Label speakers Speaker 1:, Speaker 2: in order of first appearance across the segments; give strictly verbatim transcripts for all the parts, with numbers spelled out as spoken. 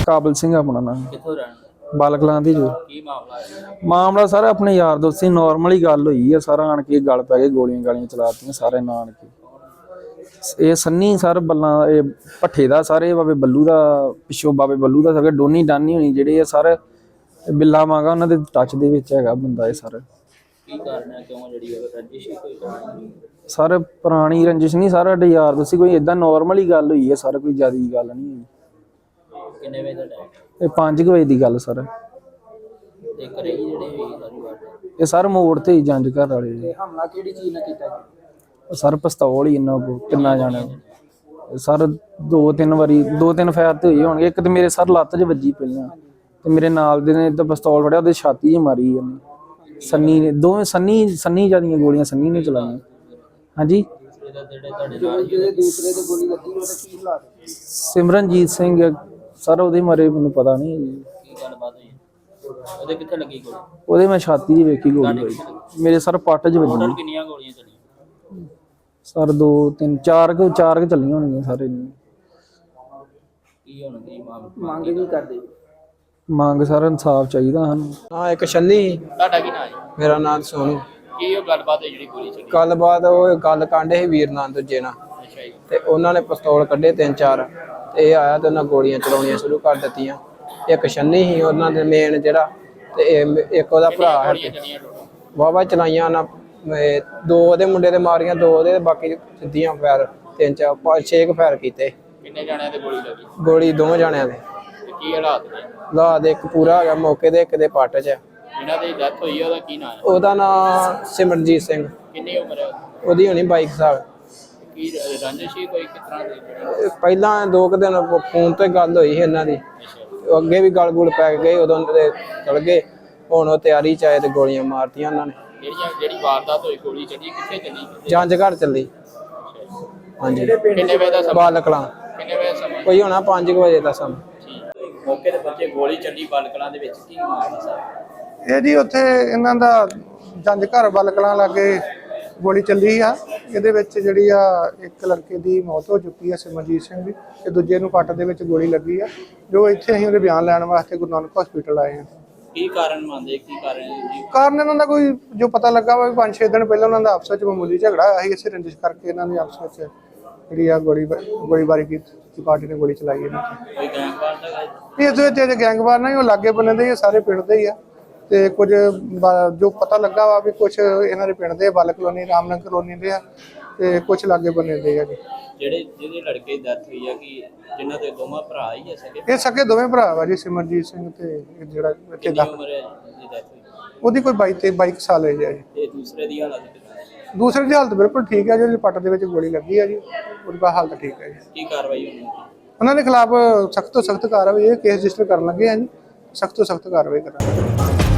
Speaker 1: ਕਾਬਲ ਸਿੰਘ ਆਪਣਾ ਨਾਮ।
Speaker 2: ਕਿੱਥੋਂ ਰਹਿਣ
Speaker 1: ਬਾਲਕਲਾਂ ਦੀ ਜੋ
Speaker 2: ਕੀ ਮਾਮਲਾ ਹੈ?
Speaker 1: ਮਾਮਲਾ ਸਾਰਾ ਆਪਣੇ ਯਾਰ ਦੋਸਤ ਸੀ, ਨਾਰਮਲ ਹੀ ਗੱਲ ਹੋਈ ਹੈ। ਸਾਰਾ ਆਣ ਕੇ ਗੱਲ ਪੈ ਗਏ, ਗੋਲੀਆਂ ਗਾਲੀਆਂ ਚਲਾਤੀਆਂ ਸਾਰੇ ਨਾਨ ਕੇ। ਇਹ ਸੰਨੀ ਸਰ ਬੱਲਾਂ ਇਹ ਭੱਠੇ ਦਾ ਸਾਰੇ ਬਾਬੇ ਬੱਲੂ ਦਾ ਪਿੱਛੋਂ ਬਾਬੇ ਬੱਲੂ ਦਾ ਸਾਰੇ ਡੋਨੀ ਡਾਨੀ ਹੋਣੀ ਜਿਹੜੇ ਆ ਸਰ ਬਿੱਲਾ ਮਾਂਗਾ ਉਹਨਾਂ ਦੇ ਟੱਚ ਦੇ ਵਿੱਚ ਹੈਗਾ ਬੰਦਾ ਇਹ ਸਰ।
Speaker 2: ਕੀ ਕਾਰਨ ਹੈ ਕਿਉਂ ਜਿਹੜੀ ਉਹ ਰੰਜਿਸ਼ ਹੀ ਕੋਈ ਕਹਾਣੀ?
Speaker 1: ਸਰ ਪੁਰਾਣੀ ਰੰਜਿਸ਼ ਨਹੀਂ, ਸਾਰਾ ਸਾਡੇ ਯਾਰ ਦੋਸਤ ਸੀ, ਕੋਈ ਏਦਾਂ ਨਾਰਮਲ ਹੀ ਗੱਲ ਹੋਈ ਹੈ ਸਰ, ਕੋਈ ਜ਼ਿਆਦਾ ਗੱਲ ਨਹੀਂ ਹੋਈ।
Speaker 2: ਕਿੰਨੇ ਵਜੇ ਦਾ ਟਾਈਮ?
Speaker 1: ਇਹ ਪੰਜ ਕੁ ਵਜੇ ਦੀ ਗੱਲ ਸਰ।
Speaker 2: ਤੇ ਘਰੇ ਹੀ ਜਿਹੜੇ ਹੋਈ ਸਾਰੀ ਵਾਰ
Speaker 1: ਇਹ ਸਰ ਮੋੜ ਤੇ ਹੀ ਜੰਜ ਘਰ ਵਾਲੇ ਜੀ।
Speaker 2: ਹਮਲਾ ਕਿਹੜੀ ਚੀਜ਼ ਨਾਲ ਕੀਤਾ ਜੀ?
Speaker 1: ਸਰ ਪਿਸਤੌਲ ਹੀ ਇਹਨਾਂ ਕੋ ਕਿੰਨਾ ਜਾਣਾ ਸਰ, ਦੋ ਤਿੰਨ ਵਾਰੀ ਦੋ ਤਿੰਨ ਫਾਇਰ ਤੇ ਹੋਈ ਹੋਣਗੇ। ਇੱਕ ਤੇ ਮੇਰੇ ਸਰ ਲੱਤ 'ਚ ਵੱਜੀ ਪਹਿਲਾਂ, ਤੇ ਮੇਰੇ ਨਾਲ ਦੇ ਨੇ ਤਾਂ ਪਿਸਤੌਲ ਫੜਿਆ ਉਹਦੇ ਛਾਤੀ 'ਚ ਮਾਰੀ ਇਹਨੇ ਸੰਨੀ ਨੇ। ਦੋਵੇਂ ਸੰਨੀ ਸੰਨੀ ਜਿਆਦੀਆਂ ਗੋਲੀਆਂ ਸੰਨੀ ਨੇ ਚਲਾਈਆਂ। ਹਾਂਜੀ
Speaker 2: ਜਿਹੜੇ ਤੁਹਾਡੇ ਨਾਲ ਜਿਹੜੇ ਦੂਸਰੇ ਤੇ ਗੋਲੀ ਲੱਗੀ ਉਹਦਾ ਕੀ ਹਾਲਾਤ?
Speaker 1: ਸਿਮਰਨਜੀਤ ਸਿੰਘ ਸਰ, ਉਹਦੇ ਮਾਰੇ ਮੈਨੂੰ ਪਤਾ ਨਹੀਂ।
Speaker 2: ਕੀ ਗੱਲਬਾਤ ਹੋਈ? ਉਹਦੇ ਕਿੱਥੇ ਲੱਗੀ ਗੋਲੀ?
Speaker 1: ਉਹਦੇ ਮੈਂ ਛਾਤੀ 'ਚ ਵੇਖੀ ਗੋਲੀ ਹੋਈ, ਮੇਰੇ ਸਰ ਪੱਟ 'ਚ ਵੱਜੀ।
Speaker 2: ਟੋਟਲ ਕਿੰਨੀਆਂ ਗੋਲੀਆਂ ਚੱਲੀਆਂ
Speaker 1: ਸਰ ਦੋ ਤਿੰਨ ਚਾਰ ਕੁ ਚਾਰ ਕੁ ਚੱਲੀਆਂ ਹੋਣਗੀਆਂ ਸਾਰੇ।
Speaker 2: ਕੀ ਹੁਣ ਕੀ ਮੰਗ ਕੀ ਕਰਦੇ?
Speaker 1: ਮੰਗ ਸਰ ਇਨਸਾਫ ਚਾਹੀਦਾ ਸਾਨੂੰ।
Speaker 3: ਹਾਂ ਇੱਕ ਛੰਨੀ।
Speaker 2: ਤੁਹਾਡਾ ਕੀ ਨਾਮ ਹੈ?
Speaker 3: ਮੇਰਾ ਨਾਮ ਸੋਨੂ।
Speaker 2: ਕੀ ਉਹ ਗੱਲਬਾਤ ਹੈ ਜਿਹੜੀ ਗੋਲੀ ਚੱਲੀ?
Speaker 3: ਗੱਲਬਾਤ ਉਹ ਗੱਲ ਕਾਂਡੇ ਸੀ ਵੀਰ ਨਾਲ ਦੂਜੇ ਨਾਲ,
Speaker 2: ਅੱਛਾ ਜੀ।
Speaker 3: ਤੇ ਉਹਨਾਂ ਨੇ ਪਿਸਤੌਲ ਕੱਢੇ ਤਿੰਨ ਚਾਰ, ਤੇ ਇਹ ਆਇਆ ਤੇ ਉਹਨਾਂ ਗੋਲੀਆਂ ਚਲਾਉਣੀਆਂ ਸ਼ੁਰੂ ਕਰ ਦਿੱਤੀਆਂ। ਇੱਕ ਛੰਨੀ ਸੀ ਉਹਨਾਂ ਦੇ ਮੇਨ ਜਿਹੜਾ, ਤੇ ਇਹ ਇੱਕ ਉਹਦਾ ਭਰਾ ਹੈ। ਵਾਹਵਾ ਚਲਾਈਆਂ ਉਹਨਾਂ, ਦੋ ਉਹਦੇ ਮੁੰਡੇ ਦੇ ਮਾਰੀਆਂ, ਦੋ ਉਹਦੇ, ਬਾਕੀ ਸਿੱਧੀਆਂ ਫਾਇਰ ਤਿੰਨ ਚਾਰ ਪੰਜ ਛੇ ਕੁ ਫਾਇਰ ਕੀਤੇ।
Speaker 2: ਕਿੰਨੇ ਜਾਣਿਆਂ ਤੇ ਗੋਲੀ ਲੱਗੀ?
Speaker 3: ਗੋਲੀ ਦੋਵੇਂ ਜਾਣਿਆਂ ਦੇ।
Speaker 2: ਤੇ ਕੀ ਹਾਲਾਤ ਨੇ?
Speaker 3: ਹਾਲਾਤ ਇੱਕ ਪੂਰਾ ਹੈਗਾ ਮੌਕੇ ਦੇ, ਇੱਕ ਦੇ ਪੱਟ 'ਚ।
Speaker 2: ਜਿਹਨਾਂ ਦੀ ਡੈਥ ਹੋਈ ਹੈ ਉਹਦਾ ਕੀ ਨਾਮ ਹੈ?
Speaker 3: ਉਹਦਾ ਨਾਂ ਸਿਮਰਨਜੀਤ ਸਿੰਘ।
Speaker 2: ਕਿੰਨੀ ਉਮਰ ਹੈ ਉਹਦੀ?
Speaker 3: ਉਹਦੀ ਹੋਣੀ ਬਾਈ ਸਾਲ।
Speaker 2: ਕੀ ਰੰਜਿਸ਼ ਹੀ ਕੋਈ ਕਿਸ ਤਰ੍ਹਾਂ ਦੀ?
Speaker 3: ਪਹਿਲਾਂ ਦੋ ਕੁ ਦਿਨ ਫੋਨ ਤੇ ਗੱਲ ਹੋਈ ਸੀ ਇਹਨਾਂ ਦੀ,
Speaker 2: ਅੱਛਾ।
Speaker 3: ਅੱਗੇ ਵੀ ਗਲ ਗੁਲ ਪੈ ਗਏ, ਉਦੋਂ ਦੇ ਚਲ ਗਏ। ਹੁਣ ਉਹ ਤਿਆਰੀ ਚ ਆਏ ਤੇ ਗੋਲੀਆਂ ਮਾਰਤੀਆਂ ਉਹਨਾਂ ਨੇ।
Speaker 2: ਜਿਹੜੀਆਂ ਜਿਹੜੀ ਵਾਰਦਾਤ ਹੋਈ ਗੋਲੀ ਚੱਲੀ ਕਿੱਥੇ ਚੱਲੀ?
Speaker 3: ਜੰਜ ਘਰ ਚੱਲੀ। ਹਾਂਜੀ
Speaker 2: ਕਿੰਨੇ ਵਜੇ ਦਾ ਸਮਾਂ?
Speaker 3: ਬਾਲਕਲਾਂ।
Speaker 2: ਕਿੰਨੇ ਵਜੇ ਸਮਾਂ?
Speaker 3: ਕੋਈ ਹੋਣਾ ਪੰਜ ਕੁ ਵਜੇ ਦਾ ਸਮਾਂ।
Speaker 2: ਠੀਕ। ਮੌਕੇ ਤੇ ਬੱਚੇ ਗੋਲੀ ਚੱਲੀ ਬਾਲਕਲਾਂ ਦੇ ਵਿੱਚ, ਕੀ ਮਾਮਲਾ ਸਾਹਿਬ?
Speaker 4: ਇਹ ਜੀ ਉੱਥੇ ਇਹਨਾਂ ਦਾ ਜੰਜ ਘਰ ਬਾਲਕਲਾਂ ਲਾਗੇ ਗੋਲੀ ਚੱਲੀ ਆ। ਇਹਦੇ ਵਿੱਚ ਜਿਹੜੀ ਆ ਇੱਕ ਲੜਕੇ ਦੀ ਮੌਤ ਹੋ ਚੁੱਕੀ ਆ ਸਿਮਰਜੀਤ ਸਿੰਘ ਦੀ, ਤੇ ਦੂਜੇ ਨੂੰ ਪੱਟ ਦੇ ਵਿੱਚ ਗੋਲੀ ਲੱਗੀ ਆ। ਜੋ ਇੱਥੇ ਅਸੀਂ ਉਹਦੇ ਬਿਆਨ ਲੈਣ ਵਾਸਤੇ ਗੁਰੂ ਨਾਨਕ ਹਸਪੀਟਲ ਆਏ ਆ।
Speaker 2: ਕੀ ਕਾਰਨ ਮੰਨਦੇ? ਕੀ ਕਾਰਨ ਜੀ?
Speaker 4: ਕਾਰਨ ਇਹਨਾਂ ਦਾ ਕੋਈ ਜੋ ਪਤਾ ਲੱਗਾ ਵਾ ਪੰਜ ਛੇ ਦਿਨ ਪਹਿਲਾਂ ਉਹਨਾਂ ਦਾ ਆਪਸ ਵਿੱਚ ਮਾਮੂਲੀ ਝਗੜਾ ਹੋਇਆ ਸੀ। ਇਸੇ ਰੰਜਿਸ਼ ਕਰਕੇ ਇਹਨਾਂ ਨੇ ਆਪਸ ਵਿੱਚ ਜਿਹੜੀ ਆ ਗੋਲੀ ਗੋਲੀਬਾਰੀ ਕੀਤੀ, ਪਾਰਟੀ ਨੇ ਗੋਲੀ ਚਲਾਈ ਇਹਨਾਂ ਤੇ।
Speaker 2: ਕੋਈ ਗੈਂਗਵਾਰ ਦਾ ਹੈ?
Speaker 4: ਇਸ ਵਿੱਚ ਜਿਹੜੇ ਗੈਂਗਵਾਰ ਨਾਲ ਉਹ ਲਾਗੇ ਬੰਨੇ ਦੇ ਸਾਰੇ ਪਿੰਡ ਦੇ ਹੀ ਆ। ਤੇ ਕੁਝ ਜੋ ਪਤਾ ਲੱਗਾ ਵਾ ਵੀ ਕੁਝ ਇਹਨਾਂ ਦੇ ਪਿੰਡ ਦੇ ਬਾਲ ਕਲੋਨੀ ਰਾਮਨਗਰ ਕਲੋਨੀ ਦੇ ਆ, ਤੇ ਕੁਝ ਲਾਗੇ ਬੰਨੇ ਦੇ ਆ ਜੀ।
Speaker 2: ਜਿਹੜੇ ਜਿਹਦੇ ਲੜਕੇ ਦੀ ਡੈਥ ਹੋਈ ਆ ਕਿ ਜਿਨ੍ਹਾਂ ਦੇ ਦੋਵਾਂ ਭਰਾ ਹੀ ਆ ਸਕੇ?
Speaker 4: ਇਹ ਸਕੇ ਦੋਵੇਂ ਭਰਾ ਵਾ ਜੀ, ਸਿਮਰਜੀਤ ਸਿੰਘ ਤੇ ਇਹ ਜਿਹੜਾ ਇੱਥੇ
Speaker 2: ਕਿੰਨੀ
Speaker 4: ਦਾ
Speaker 2: ਉਮਰ ਹੈ ਜਿਹਦੀ ਡੈਥ ਹੋਈ?
Speaker 4: ਉਹਦੀ ਕੋਈ ਬਾਈ ਤੇ ਬਾਈ ਕੁ ਸਾਲ ਹੈ ਜੀ।
Speaker 2: ਤੇ ਦੂਸਰੇ ਦੀ ਹਾਲਤ ਕਿੱਦਾਂ ਹੈ?
Speaker 4: ਦੂਸਰੇ ਦੀ ਹਾਲਤ ਬਿਲਕੁਲ ਠੀਕ ਹੈ, ਜਿਹੜੀ ਪੱਟ ਦੇ ਵਿੱਚ ਗੋਲੀ ਲੱਗੀ ਆ ਜੀ, ਉਹਦੀ ਹਾਲਤ ਠੀਕ ਹੈ ਜੀ।
Speaker 2: ਕੀ ਕਾਰਵਾਈ ਹੋਣੀ ਹੈ?
Speaker 4: ਉਹਨਾਂ ਦੇ ਖਿਲਾਫ ਸਖਤ ਤੋਂ ਸਖਤ ਕਾਰਵਾਈ, ਇਹ ਕੇਸ ਰਜਿਸਟਰ ਕਰਨ ਲੱਗੇ ਆ ਜੀ, ਸਖਤ ਤੋਂ ਸਖਤ ਕਾਰਵਾਈ ਕਰਾਂਗੇ।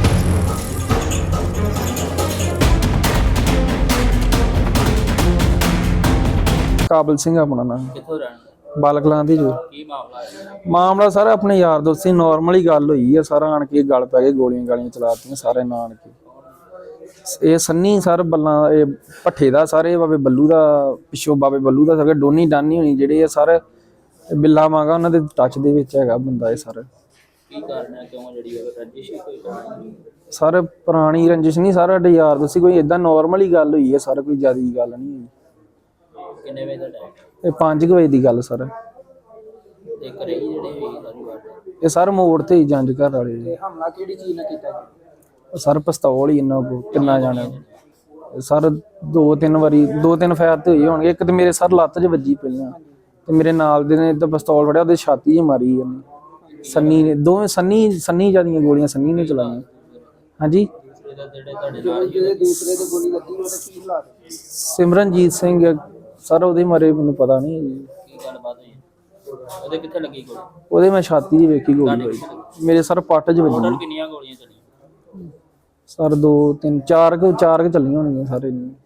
Speaker 1: ਕਾਬਲ ਸਿੰਘ ਆਪਣਾ ਨਾਮ।
Speaker 2: ਕਿੱਥੋਂ ਰਹਿਣ
Speaker 1: ਬਾਲਕਲਾਂ ਦੀ ਜੋ
Speaker 2: ਕੀ ਮਾਮਲਾ ਹੈ?
Speaker 1: ਮਾਮਲਾ ਸਰ ਆਪਣੇ ਯਾਰ ਦੋਸਤ ਸੀ, ਨਾਰਮਲ ਹੀ ਗੱਲ ਹੋਈ ਹੈ। ਸਾਰਾ ਆਣ ਕੇ ਗੱਲ ਪੈ ਗਏ, ਗੋਲੀਆਂ ਗਾਲੀਆਂ ਚਲਾਤੀਆਂ ਸਾਰੇ ਨਾਨ ਕੇ। ਇਹ ਸੰਨੀ ਸਰ ਬੱਲਾਂ ਇਹ ਭੱਠੇ ਦਾ ਸਾਰੇ ਬਾਬੇ ਬੱਲੂ ਦਾ ਪਿੱਛੋਂ ਬਾਬੇ ਬੱਲੂ ਦਾ ਸਾਰੇ ਡੋਨੀ ਡਾਨੀ ਹੋਣੀ ਜਿਹੜੇ ਆ ਸਰ ਬਿੱਲਾ ਮਾਂਗਾ ਉਹਨਾਂ ਦੇ ਟੱਚ ਦੇ ਵਿੱਚ ਹੈਗਾ ਬੰਦਾ ਇਹ ਸਰ।
Speaker 2: ਕੀ ਕਾਰਨ ਹੈ ਕਿਉਂ ਜਿਹੜੀ ਉਹ ਰੰਜਿਸ਼ ਹੀ ਕੋਈ ਕਹਾਣੀ?
Speaker 1: ਸਰ ਪੁਰਾਣੀ ਰੰਜਿਸ਼ ਨਹੀਂ, ਸਾਰਾ ਸਾਡੇ ਯਾਰ ਦੋਸਤ ਸੀ, ਕੋਈ ਏਦਾਂ ਨਾਰਮਲ ਹੀ ਗੱਲ ਹੋਈ ਹੈ ਸਰ, ਕੋਈ ਜ਼ਿਆਦਾ ਗੱਲ ਨਹੀਂ ਹੋਈ।
Speaker 2: ਕਿੰਨੇ ਵਜੇ ਦਾ ਟਾਈਮ?
Speaker 1: ਇਹ ਪੰਜ ਕੁ ਵਜੇ ਦੀ ਗੱਲ ਸਰ।
Speaker 2: ਤੇ ਘਰੇ ਹੀ ਜਿਹੜੇ ਹੋਈ ਸਾਰੀ ਵਾਰ
Speaker 1: ਇਹ ਸਰ ਮੋੜ ਤੇ ਹੀ ਜੰਜ ਘਰ ਵਾਲੇ ਜੀ।
Speaker 2: ਹਮਲਾ ਕਿਹੜੀ ਚੀਜ਼ ਨਾਲ ਕੀਤਾ ਜੀ?
Speaker 1: ਸਰ ਪਿਸਤੌਲ ਹੀ ਇਹਨਾਂ ਕੋ ਕਿੰਨਾ ਜਾਣਾ ਸਰ, ਦੋ ਤਿੰਨ ਵਾਰੀ ਦੋ ਤਿੰਨ ਫਾਇਰ ਤੇ ਹੋਈ ਹੋਣਗੇ। ਇੱਕ ਤੇ ਮੇਰੇ ਸਰ ਲੱਤ 'ਚ ਵੱਜੀ ਪਹਿਲਾਂ, ਤੇ ਮੇਰੇ ਨਾਲ ਦੇ ਨੇ ਤਾਂ ਪਿਸਤੌਲ ਫੜਿਆ ਉਹਦੇ ਛਾਤੀ 'ਚ ਮਾਰੀ ਇਹਨੇ ਸੰਨੀ ਨੇ। ਦੋਵੇਂ ਸੰਨੀ ਸੰਨੀ ਜਿਆਦੀਆਂ ਗੋਲੀਆਂ ਸੰਨੀ ਨੇ ਚਲਾਈਆਂ। ਹਾਂਜੀ
Speaker 2: ਜਿਹੜੇ ਤੁਹਾਡੇ ਨਾਲ ਜਿਹੜੇ ਦੂਸਰੇ ਤੇ ਗੋਲੀ ਲੱਗੀ ਉਹਦਾ ਕੀ ਹਾਲਾਤ?
Speaker 1: ਸਿਮਰਨਜੀਤ ਸਿੰਘ ਸਰ, ਉਹਦੇ ਮਾਰੇ ਮੈਨੂੰ ਪਤਾ ਨਹੀਂ।
Speaker 2: ਕੀ ਗੱਲਬਾਤ ਹੋਈ? ਉਹਦੇ ਕਿੱਥੇ ਲੱਗੀ ਗੋਲੀ?
Speaker 1: ਉਹਦੇ ਮੈਂ ਛਾਤੀ 'ਚ ਵੇਖੀ ਗੋਲੀ ਹੋਈ, ਮੇਰੇ ਸਰ ਪੱਟ 'ਚ ਵੱਜੀ।
Speaker 2: ਟੋਟਲ ਕਿੰਨੀਆਂ ਗੋਲੀਆਂ ਚੱਲੀਆਂ
Speaker 1: ਸਰ ਦੋ ਤਿੰਨ ਚਾਰ ਕੁ ਚਾਰ ਕੁ ਚੱਲੀਆਂ ਹੋਣਗੀਆਂ ਸਾਰੇ।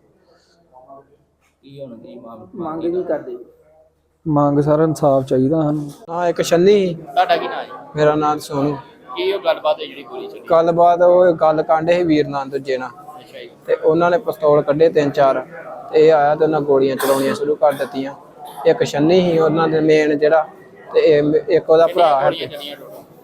Speaker 2: ਕੀ ਹੁਣ ਕੀ ਮੰਗ ਕੀ ਕਰਦੇ?
Speaker 1: ਮੰਗ ਸਰ ਇਨਸਾਫ ਚਾਹੀਦਾ ਸਾਨੂੰ।
Speaker 3: ਹਾਂ ਇੱਕ ਛੰਨੀ।
Speaker 2: ਤੁਹਾਡਾ ਕੀ ਨਾਮ ਹੈ?
Speaker 3: ਮੇਰਾ ਨਾਮ ਸੋਨੂ।
Speaker 2: ਕੀ ਉਹ ਗੱਲਬਾਤ ਹੈ ਜਿਹੜੀ ਗੋਲੀ ਚੱਲੀ?
Speaker 3: ਗੱਲਬਾਤ ਉਹ ਗੱਲ ਕਾਂਡੇ ਸੀ ਵੀਰ ਨਾਲ ਦੂਜੇ ਨਾਲ,
Speaker 2: ਅੱਛਾ ਜੀ।
Speaker 3: ਤੇ ਉਹਨਾਂ ਨੇ ਪਿਸਤੌਲ ਕੱਢੇ ਤਿੰਨ ਚਾਰ, ਤੇ ਇਹ ਆਇਆ ਤੇ ਉਹਨਾਂ ਗੋਲੀਆਂ ਚਲਾਉਣੀਆਂ ਸ਼ੁਰੂ ਕਰ ਦਿੱਤੀਆਂ। ਇੱਕ ਛੰਨੀ ਸੀ ਉਹਨਾਂ ਦੇ ਮੇਨ ਜਿਹੜਾ, ਤੇ ਇੱਕ ਉਹਦਾ ਭਰਾ ਹੈ।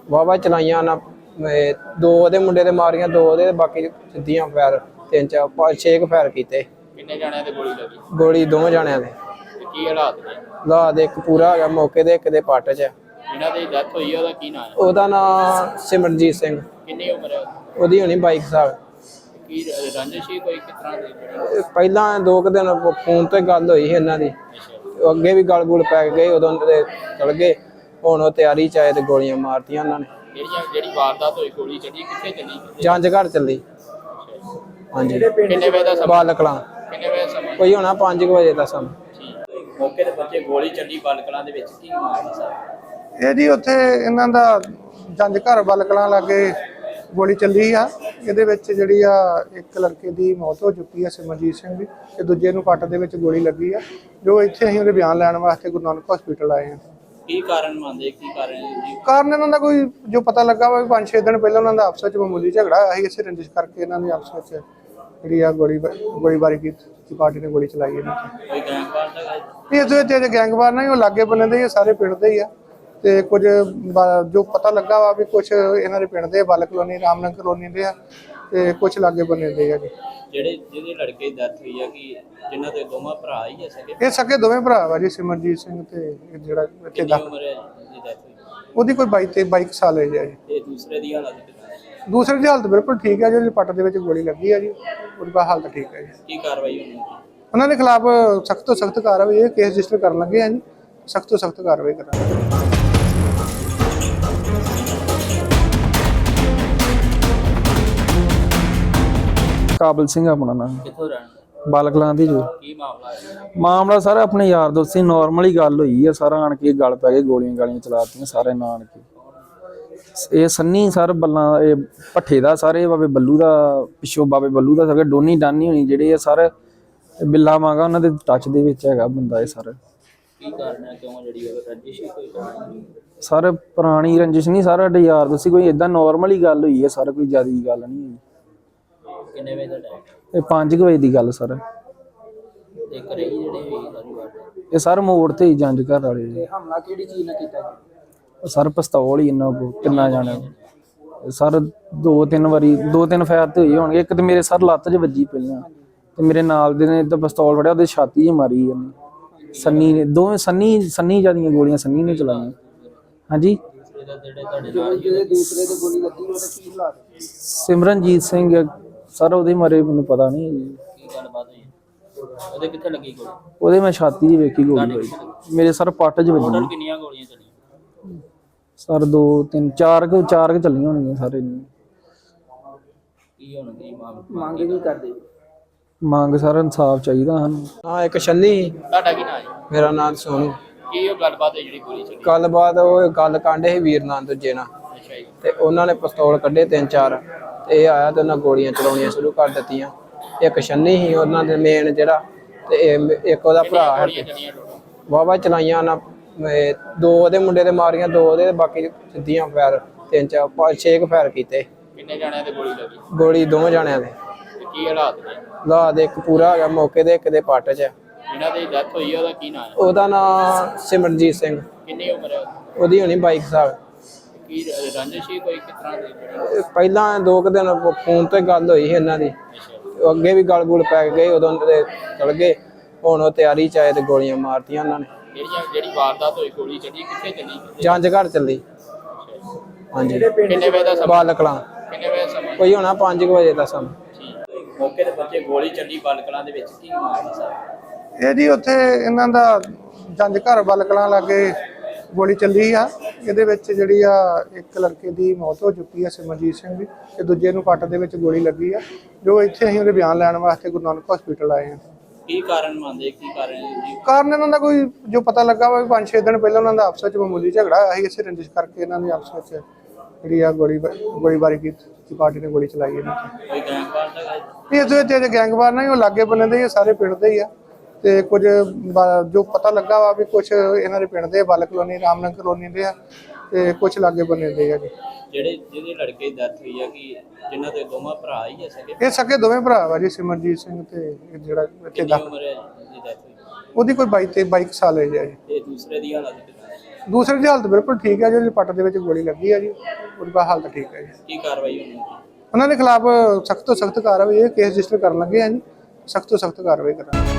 Speaker 3: ਵਾਵਾ ਚਲਾਈਆਂ ਨਾ ਇਹ ਦੋ ਉਹਦੇ ਮੁੰਡੇ ਦੇ ਮਾਰੀਆਂ, ਦੋ ਉਹਦੇ ਤੇ ਬਾਕੀ ਸਿੱਧੀਆਂ ਫਾਇਰ ਤਿੰਨ ਚਾਰ ਪੰਜ ਛੇ ਕੁ ਫਾਇਰ ਕੀਤੇ।
Speaker 2: ਕਿੰਨੇ ਜਾਣਿਆਂ ਤੇ ਗੋਲੀ ਲੱਗੀ
Speaker 3: ਗੋਲੀ ਦੋਵੇਂ ਜਾਣਿਆਂ ਦੇ।
Speaker 2: ਤੇ ਕੀ ਹਾਲਾਤ ਨੇ
Speaker 3: ਲਾ ਦੇ ਇੱਕ ਪੂਰਾ ਹੈਗਾ ਮੌਕੇ ਦੇ, ਇੱਕ ਦੇ ਪੱਟ 'ਚ।
Speaker 2: ਜਿਹਨਾਂ ਦੀ ਡੈਥ ਹੋਈ ਹੈ ਉਹਦਾ ਕੀ ਨਾਮ ਹੈ?
Speaker 3: ਉਹਦਾ ਨਾਂ ਸਿਮਰਨਜੀਤ ਸਿੰਘ।
Speaker 2: ਕਿੰਨੀ ਉਮਰ ਹੈ ਉਹਦੀ?
Speaker 3: ਉਹਦੀ ਹੋਣੀ ਬਾਈ ਸਾਲ।
Speaker 2: ਕੀ ਰੰਜਿਸ਼ ਸੀ ਕੋਈ ਕਿਸ ਤਰ੍ਹਾਂ ਦੀ ਜਿਹੜੀ?
Speaker 3: ਪਹਿਲਾਂ ਦੋ ਕੁ ਦਿਨ ਫੋਨ ਤੇ ਗੱਲ ਹੋਈ ਸੀ ਇਹਨਾਂ ਦੀ,
Speaker 2: ਅੱਛਾ
Speaker 3: ਅੱਗੇ ਵੀ ਗਲ ਗੁਲ ਪੈ ਗਏ, ਉਦੋਂ ਦੇ ਚਲ ਗਏ। ਹੁਣ ਉਹ ਤਿਆਰੀ ਚ ਆਏ ਤੇ ਗੋਲੀਆਂ ਮਾਰਤੀਆਂ ਉਹਨਾਂ ਨੇ।
Speaker 2: ਜਿਹੜੀਆਂ ਜਿਹੜੀ ਵਾਰਦਾਤ ਹੋਈ ਗੋਲੀ ਚੱਲੀ ਕਿੱਥੇ ਚੱਲੀ?
Speaker 3: ਜੰਜ ਘਰ ਚੱਲੀ। ਹਾਂਜੀ
Speaker 2: ਕਿੰਨੇ ਵਜੇ ਦਾ ਸਮਾਂ?
Speaker 3: ਬਾਲਕਲਾਂ
Speaker 2: ਕਿੰਨੇ ਵਜੇ ਦਾ ਸਮਾਂ?
Speaker 3: ਕੋਈ ਹੋਣਾ ਪੰਜ ਕੁ ਵਜੇ ਦਾ ਸਮਾਂ।
Speaker 2: ਠੀਕ ਮੌਕੇ ਤੇ ਬੱਚੇ ਗੋਲੀ ਚੱਲੀ ਬਾਲਕਲਾਂ ਦੇ ਵਿੱਚ ਕੀ ਮਾਮਲਾ ਸਾਹਿਬ?
Speaker 4: ਇਹ ਜੀ ਉੱਥੇ ਇਹਨਾਂ ਦਾ ਜੰਜ ਘਰ ਬਲਕਲਾਂ ਲਾਗੇ ਗੋਲੀ ਚੱਲੀ ਆ। ਇਹਦੇ ਵਿੱਚ ਜਿਹੜੀ ਆ ਇੱਕ ਲੜਕੇ ਦੀ ਮੌਤ ਹੋ ਚੁੱਕੀ ਆ ਸਿਮਰਜੀਤ ਸਿੰਘ ਦੀ, ਤੇ ਦੂਜੇ ਨੂੰ ਪੱਟ ਦੇ ਵਿੱਚ ਗੋਲੀ ਲੱਗੀ ਆ। ਜੋ ਇੱਥੇ ਅਸੀਂ ਉਹਦੇ ਬਿਆਨ ਲੈਣ ਵਾਸਤੇ ਗੁਰੂ ਨਾਨਕ ਹਸਪੀਟਲ ਆਏ ਆ।
Speaker 2: ਕੀ ਕਾਰਨ ਮੰਨਦੇ ਕੀ ਕਾਰਨ ਹੈ ਜੀ?
Speaker 4: ਕਾਰਨ ਇਹਨਾਂ ਦਾ ਕੋਈ ਜੋ ਪਤਾ ਲੱਗਾ ਵਾ ਪੰਜ ਛੇ ਦਿਨ ਪਹਿਲਾਂ ਉਹਨਾਂ ਦਾ ਆਪਸ ਵਿੱਚ ਮਾਮੂਲੀ ਝਗੜਾ ਹੋਇਆ ਸੀ। ਇਸੇ ਰੰਜਿਸ਼ ਕਰਕੇ ਇਹਨਾਂ ਨੇ ਆਪਸ ਵਿੱਚ ਜਿਹੜੀ ਆ ਗੋਲੀ ਗੋਲੀਬਾਰੀ ਕੀਤੀ, ਪਾਰਟੀ ਨੇ ਗੋਲੀ ਚਲਾਈ ਇਹਨਾਂ ਤੇ।
Speaker 2: ਕੋਈ ਗੈਂਗਵਾਰ ਦਾ ਹੈ?
Speaker 4: ਇਸ ਵਿੱਚ ਜਿਹੜੇ ਗੈਂਗਵਾਰ ਨੇ ਉਹ ਲਾਗੇ ਬੰਨੇ ਦੇ ਹੀ ਆ, ਸਾਰੇ ਪਿੰਡ ਦੇ ਹੀ ਆ। ਤੇ ਕੁਝ ਬ- ਜੋ ਪਤਾ ਲੱਗਾ ਵਾ ਵੀ ਕੁਝ ਇਹਨਾਂ ਦੇ ਪਿੰਡ ਦੇ ਬਲ ਕਲੋਨੀ ਰਾਮਨਗਰ ਕਲੋਨੀ ਦੇ ਆ, ਤੇ ਕੁਝ ਲਾਗੇ ਬੰਨੇ ਦੇ ਆ ਜੀ।
Speaker 2: ਜਿਹੜੇ ਜਿਹਦੇ ਲੜਕੇ ਦੀ ਡੈਥ ਹੋਈ ਆ ਕਿ ਜਿਨ੍ਹਾਂ ਦੇ ਦੋਵਾਂ ਭਰਾ ਹੀ ਆ ਸਕੇ?
Speaker 4: ਇਹ ਸਕੇ ਦੋਵੇਂ ਭਰਾ ਵਾ ਜੀ, ਸਿਮਰਜੀਤ ਸਿੰਘ ਤੇ ਇਹ ਜਿਹੜਾ ਇੱਥੇ
Speaker 2: ਕਿੰਨੀ
Speaker 4: ਦਾ
Speaker 2: ਉਮਰ ਹੈ ਜਿਹਦੀ ਡੈਥ ਹੋਈ?
Speaker 4: ਉਹਦੀ ਕੋਈ ਬਾਈ ਤੇ ਬਾਈ ਕੁ ਸਾਲ ਹੈ ਜੀ।
Speaker 2: ਤੇ ਦੂਸਰੇ ਦੀ ਹਾਲਤ ਕਿੱਦਾਂ ਹੈ?
Speaker 4: ਦੂਸਰੇ ਦੀ ਹਾਲਤ ਬਿਲਕੁਲ ਠੀਕ ਹੈ, ਜਿਹੜੀ ਪੱਟ ਦੇ ਵਿੱਚ ਗੋਲੀ ਲੱਗੀ ਹੈ ਜੀ, ਉਹਦੀ ਹਾਲਤ ਠੀਕ ਹੈ ਜੀ।
Speaker 2: ਕੀ ਕਾਰਵਾਈ ਹੋਣੀ ਹੈ?
Speaker 4: ਉਹਨਾਂ ਦੇ ਖਿਲਾਫ ਸਖਤ ਤੋਂ ਸਖਤ ਕਾਰਵਾਈ, ਇਹ ਕੇਸ ਰਜਿਸਟਰ ਕਰਨ ਲੱਗੇ ਆ ਜੀ, ਸਖਤ ਤੋਂ ਸਖਤ ਕਾਰਵਾਈ ਕਰਾਂਗੇ।
Speaker 1: ਕਾਬਲ ਸਿੰਘ ਆਪਣਾ ਨਾਮ,
Speaker 2: ਕਿੱਥੋਂ ਰਹਿਣ?
Speaker 1: ਬਾਲਕਲਾਂ ਦੀ ਜੋ
Speaker 2: ਕੀ ਮਾਮਲਾ ਹੈ?
Speaker 1: ਮਾਮਲਾ ਸਾਰਾ ਆਪਣੇ ਯਾਰ ਦੋਸਤ ਸੀ, ਨਾਰਮਲ ਹੀ ਗੱਲ ਹੋਈ ਆ। ਸਾਰਾ ਆਣ ਕੇ ਗੱਲ ਪੈ ਗਏ, ਗੋਲੀਆਂ ਗਾਲੀਆਂ ਚਲਾਤੀਆਂ ਸਾਰੇ ਨਾਨ ਕੇ। ਇਹ ਸੰਨੀ ਸਰ ਬੱਲਾਂ ਇਹ ਭੱਠੇ ਦਾ ਸਾਰੇ ਬਾਬੇ ਬੱਲੂ ਦਾ ਪਿੱਛੋਂ ਬਾਬੇ ਬੱਲੂ ਦਾ ਸਾਰੇ ਡੋਨੀ ਡਾਨੀ ਹੋਣੀ ਜਿਹੜੇ ਆ ਸਰ ਬਿੱਲਾ ਮਾਂਗਾ ਉਹਨਾਂ ਦੇ ਟੱਚ ਦੇ ਵਿੱਚ ਹੈਗਾ ਬੰਦਾ ਇਹ ਸਰ।
Speaker 2: ਕੀ ਕਾਰਨ ਹੈ ਕਿਉਂ ਜਿਹੜੀ ਉਹ ਰੰਜਿਸ਼ ਹੀ ਕੋਈ ਕਾਰਨ?
Speaker 1: ਸਰ ਪੁਰਾਣੀ ਰੰਜਿਸ਼ ਨਹੀਂ, ਸਾਰਾ ਸਾਡੇ ਯਾਰ ਦੋਸਤ ਸੀ, ਕੋਈ ਇਦਾਂ ਨਾਰਮਲ ਹੀ ਗੱਲ ਹੋਈ ਹੈ ਸਰ, ਕੋਈ ਜ਼ਿਆਦਾ ਗੱਲ ਨਹੀਂ ਹੋਈ।
Speaker 2: ਕਿੰਨੇ ਵਜੇ ਦਾ ਟਾਈਮ?
Speaker 1: ਇਹ ਪੰਜ ਕੁ ਵਜੇ ਦੀ ਗੱਲ ਸਰ।
Speaker 2: ਤੇ ਘਰੇ ਹੀ ਜਿਹੜੇ ਹੋਈ ਸਾਰੀ ਵਾਰਦਾਤ?
Speaker 1: ਇਹ ਸਰ ਮੋੜ ਤੇ ਹੀ ਜੰਜ ਘਰ ਵਾਲੇ ਜੀ।
Speaker 2: ਹਮਲਾ ਕਿਹੜੀ ਚੀਜ਼ ਨਾਲ ਕੀਤਾ ਜੀ?
Speaker 1: ਸਰ ਪਿਸਤੌਲ ਹੀ ਇਹਨਾਂ ਕੋ ਕਿੰਨਾ ਜਾਣਾ ਸਰ, ਦੋ ਤਿੰਨ ਵਾਰੀ ਦੋ ਤਿੰਨ ਫਾਇਰ ਤੇ ਹੋਈ ਹੋਣਗੇ। ਇੱਕ ਤੇ ਮੇਰੇ ਸਰ ਲੱਤ 'ਚ ਵੱਜੀ ਪਹਿਲਾਂ, ਤੇ ਮੇਰੇ ਨਾਲ ਦੇ ਨੇ ਤਾਂ ਪਿਸਤੌਲ ਫੜਿਆ, ਉਹਦੇ ਛਾਤੀ 'ਚ ਮਾਰੀ ਇਹਨੇ ਸੰਨੀ ਨੇ। ਦੋਵੇਂ ਸੰਨੀ ਸੰਨੀ ਜਿਆਦੀਆਂ ਗੋਲੀਆਂ ਸੰਨੀ ਨੇ ਚਲਾਈਆਂ। ਹਾਂਜੀ
Speaker 2: ਇਹਦਾ ਜਿਹੜੇ ਤੁਹਾਡੇ ਨਾਲ ਜਿਹੜੇ ਦੂਸਰੇ ਤੇ ਗੋਲੀ ਲੱਗੀ ਉਹਦਾ ਕੀ ਹਾਲਾਤ?
Speaker 1: ਸਿਮਰਨਜੀਤ ਸਿੰਘ ਸਰ, ਉਹਦੇ ਮਾਰੇ ਮੈਨੂੰ ਪਤਾ ਨਹੀਂ ਜੀ।
Speaker 2: ਕੀ ਗੱਲਬਾਤ ਹੋਈ? ਉਹਦੇ ਕਿੱਥੇ ਲੱਗੀ ਗੋਲੀ?
Speaker 1: ਉਹਦੇ ਮੈਂ ਛਾਤੀ 'ਚ ਵੇਖੀ ਗੋਲੀ ਹੋਈ, ਮੇਰੇ ਸਰ ਪੱਟ 'ਚ ਵੱਜੀ।
Speaker 2: ਟੋਟਲ ਕਿੰਨੀਆਂ ਗੋਲੀਆਂ ਚੱਲੀਆਂ?
Speaker 1: ਸਰ ਦੋ ਤਿੰਨ ਚਾਰ ਕੁ ਚਾਰ ਕੁ ਚੱਲੀਆਂ ਹੋਣਗੀਆਂ ਸਾਰੇ ਨੇ।
Speaker 2: ਕੀ ਹੁਣ ਕੀ ਮੰਗ ਕੀ ਕਰਦੇ?
Speaker 1: ਮੰਗ ਸਰ ਇਨਸਾਫ ਚਾਹੀਦਾ ਸਾਨੂੰ।
Speaker 3: ਹਾਂ ਇੱਕ ਛੰਨੀ।
Speaker 2: ਤੁਹਾਡਾ ਕੀ ਨਾਮ ਹੈ?
Speaker 3: ਮੇਰਾ ਨਾਮ ਸੋਨੂ।
Speaker 2: ਕੀ ਉਹ ਗੱਲਬਾਤ ਹੈ ਜਿਹੜੀ ਗੋਲੀ ਚੱਲੀ?
Speaker 3: ਗੱਲਬਾਤ ਉਹ ਗੱਲ ਕਾਂਡੇ ਸੀ ਵੀਰ ਨਾਲ ਦੂਜੇ ਨਾਲ,
Speaker 2: ਅੱਛਾ ਜੀ।
Speaker 3: ਤੇ ਉਹਨਾਂ ਨੇ ਪਿਸਤੌਲ ਕੱਢੇ ਤਿੰਨ ਚਾਰ, ਤੇ ਇਹ ਆਇਆ ਤੇ ਉਹਨਾਂ ਗੋਲੀਆਂ ਚਲਾਉਣੀਆਂ ਸ਼ੁਰੂ ਕਰ ਦਿੱਤੀਆਂ। ਇੱਕ ਛੰਨੀ ਸੀ ਉਹਨਾਂ ਦੇ ਮੇਨ ਜਿਹੜਾ, ਤੇ ਇਹ ਇੱਕ ਉਹਦਾ ਭਰਾ ਹੈ।
Speaker 2: ਗੋਲੀਆਂ ਚੱਲੀਆਂ ਟੋਟਲ?
Speaker 3: ਵਾਵਾ ਚਲਾਈਆਂ ਉਹਨਾਂ ਇਹ ਦੋ ਉਹਦੇ ਮੁੰਡੇ ਦੇ ਮਾਰੀਆਂ, ਦੋ ਉਹਦੇ ਤੇ ਬਾਕੀ ਸਿੱਧੀਆਂ ਫਾਇਰ ਤਿੰਨ ਚਾਰ ਪੰਜ ਛੇ ਕੁ ਫਾਇਰ ਕੀਤੇ।
Speaker 2: ਕਿੰਨੇ ਜਾਣਿਆਂ ਤੇ ਗੋਲੀ ਲੱਗੀ?
Speaker 3: ਗੋਲੀ ਦੋਵੇਂ ਜਾਣਿਆਂ ਦੇ।
Speaker 2: ਤੇ ਕੀ ਹਾਲਾਤ ਨੇ
Speaker 3: ਲਾ ਦੇ ਇੱਕ ਪੂਰਾ ਹੈਗਾ ਮੌਕੇ ਦੇ, ਇੱਕ ਦੇ ਪੱਟ 'ਚ।
Speaker 2: ਜਿਹਨਾਂ ਦੀ ਡੈਥ ਹੋਈ ਹੈ ਉਹਦਾ ਕੀ ਨਾਮ ਹੈ?
Speaker 3: ਉਹਦਾ ਨਾਂ ਸਿਮਰਨਜੀਤ ਸਿੰਘ।
Speaker 2: ਕਿੰਨੀ ਉਮਰ ਹੈ ਉਹਦੀ?
Speaker 3: ਉਹਦੀ ਹੋਣੀ ਬਾਈ ਸਾਲ।
Speaker 2: ਕੀ ਰੰਜਿਸ਼ ਹੀ ਕੋਈ ਕਿਸ ਤਰ੍ਹਾਂ ਦੀ ਜਿਹੜੀ?
Speaker 3: ਪਹਿਲਾਂ ਦੋ ਕੁ ਦਿਨ ਫੋਨ ਤੇ ਗੱਲ ਹੋਈ ਸੀ ਇਹਨਾਂ ਦੀ,
Speaker 2: ਅੱਛਾ
Speaker 3: ਅੱਗੇ ਵੀ ਗਲ ਗੁਲ ਪੈ ਗਏ, ਉਦੋਂ ਦੇ ਚਲ ਗਏ। ਹੁਣ ਉਹ ਤਿਆਰੀ ਚ ਆਏ ਤੇ ਗੋਲੀਆਂ ਮਾਰਤੀਆਂ ਉਹਨਾਂ ਨੇ।
Speaker 2: ਜਿਹੜੀਆਂ ਜਿਹੜੀ ਵਾਰਦਾਤ ਹੋਈ ਗੋਲੀ ਚੱਲੀ ਕਿੱਥੇ ਚੱਲੀ?
Speaker 3: ਜੰਜ ਘਰ ਚੱਲੀ। ਹਾਂਜੀ
Speaker 2: ਕਿੰਨੇ ਵਜੇ ਦਾ ਸਮਾਂ?
Speaker 3: ਬਾਲਕਲਾਂ
Speaker 2: ਕਿੰਨੇ ਵਜੇ ਦਾ ਸਮਾਂ?
Speaker 3: ਕੋਈ ਹੋਣਾ ਪੰਜ ਕੁ ਵਜੇ ਦਾ ਸਮਾਂ।
Speaker 2: ਠੀਕ ਮੌਕੇ ਤੇ ਬੱਚੇ ਗੋਲੀ ਚੱਲੀ ਬਾਲਕਲਾਂ ਦੇ ਵਿੱਚ ਕੀ ਮਾਮਲਾ ਸਾਹਿਬ?
Speaker 4: ਇਹ ਜੀ ਉੱਥੇ ਇਹਨਾਂ ਦਾ ਜੰਜ ਘਰ ਬਲਕਲਾਂ ਲਾਗੇ ਗੋਲੀ ਚੱਲੀ ਆ। ਇਹਦੇ ਵਿੱਚ ਜਿਹੜੀ ਆ ਇੱਕ ਲੜਕੇ ਦੀ ਮੌਤ ਹੋ ਚੁੱਕੀ ਆ ਸਿਮਰਜੀਤ ਸਿੰਘ ਦੀ, ਤੇ ਦੂਜੇ ਨੂੰ ਪੱਟ ਦੇ ਵਿੱਚ ਗੋਲੀ ਲੱਗੀ ਆ। ਜੋ ਇੱਥੇ ਅਸੀਂ ਉਹਦੇ ਬਿਆਨ ਲੈਣ ਵਾਸਤੇ ਗੁਰੂ ਨਾਨਕ ਹਸਪੀਟਲ ਆਏ ਆ।
Speaker 2: ਕੀ ਕਾਰਨ ਮੰਨਦੇ ਕੀ ਕਾਰਨ ਹੈ ਜੀ?
Speaker 4: ਕਾਰਨ ਇਹਨਾਂ ਦਾ ਕੋਈ ਜੋ ਪਤਾ ਲੱਗਾ ਵਾ ਪੰਜ ਛੇ ਦਿਨ ਪਹਿਲਾਂ ਉਹਨਾਂ ਦਾ ਆਪਸ ਵਿੱਚ ਮਾਮੂਲੀ ਝਗੜਾ ਹੋਇਆ ਸੀ। ਇਸੇ ਰੰਜਿਸ਼ ਕਰਕੇ ਇਹਨਾਂ ਨੇ ਆਪਸ ਵਿੱਚ ਜਿਹੜੀ ਆ ਗੋਲੀ ਗੋਲੀਬਾਰੀ ਕੀਤੀ, ਪਾਰਟੀ ਨੇ ਗੋਲੀ ਚਲਾਈ ਇਹਨਾਂ ਤੇ।
Speaker 2: ਕੋਈ ਗੈਂਗਵਾਰ ਦਾ ਹੈ?
Speaker 4: ਇਸ ਵਿੱਚ ਜਿਹੜੇ ਗੈਂਗਵਾਰ ਨੇ ਉਹ ਲਾਗੇ ਬੰਨੇ ਦੇ ਹੀ ਆ, ਸਾਰੇ ਪਿੰਡ ਦੇ ਹੀ ਆ। ਤੇ ਕੁਝ ਬ- ਜੋ ਪਤਾ ਲੱਗਾ ਵਾ ਵੀ ਕੁਝ ਇਹਨਾਂ ਦੇ ਪਿੰਡ ਦੇ ਬਲ ਕਲੋਨੀ ਰਾਮਨਗਰ ਕਲੋਨੀ ਦੇ ਆ, ਤੇ ਕੁਝ ਲਾਗੇ ਬੰਨੇ ਦੇ ਆ ਜੀ।
Speaker 2: ਜਿਹੜੇ ਜਿਹਦੇ ਲੜਕੇ ਦੀ ਡੈਥ ਹੋਈ ਆ ਕਿ ਜਿਨ੍ਹਾਂ ਦੇ ਦੋਵਾਂ ਭਰਾ ਹੀ ਆ ਸਕੇ?
Speaker 4: ਇਹ ਸਕੇ ਦੋਵੇਂ ਭਰਾ ਵਾ ਜੀ, ਸਿਮਰਜੀਤ ਸਿੰਘ ਤੇ ਇਹ ਜਿਹੜਾ ਇੱਥੇ
Speaker 2: ਕਿੰਨੀ
Speaker 4: ਦਾ
Speaker 2: ਉਮਰ ਹੈ ਜਿਹਦੀ ਡੈਥ ਹੋਈ?
Speaker 4: ਉਹਦੀ ਕੋਈ ਬਾਈ ਤੇ ਬਾਈ ਕੁ ਸਾਲ ਹੈ ਜੀ।
Speaker 2: ਤੇ ਦੂਸਰੇ ਦੀ ਹਾਲਤ ਕਿੱਦਾਂ ਹੈ?
Speaker 4: ਦੂਸਰੇ ਦੀ ਹਾਲਤ ਬਿਲਕੁਲ ਠੀਕ ਹੈ, ਜਿਹੜੀ ਪੱਟ ਦੇ ਵਿੱਚ ਗੋਲੀ ਲੱਗੀ ਹੈ ਜੀ ਉਹਦੀ ਹਾਲਤ ਠੀਕ ਹੈ ਜੀ।
Speaker 2: ਕੀ ਕਾਰਵਾਈ ਹੋਣੀ ਹੈ?
Speaker 4: ਉਹਨਾਂ ਦੇ ਖਿਲਾਫ ਸਖਤ ਤੋਂ ਸਖਤ ਕਾਰਵਾਈ, ਇਹ ਕੇਸ ਰਜਿਸਟਰ ਕਰਨ ਲੱਗੇ ਆ ਜੀ, ਸਖਤ ਤੋਂ ਸਖਤ ਕਾਰਵਾਈ ਕਰਾਂਗੇ।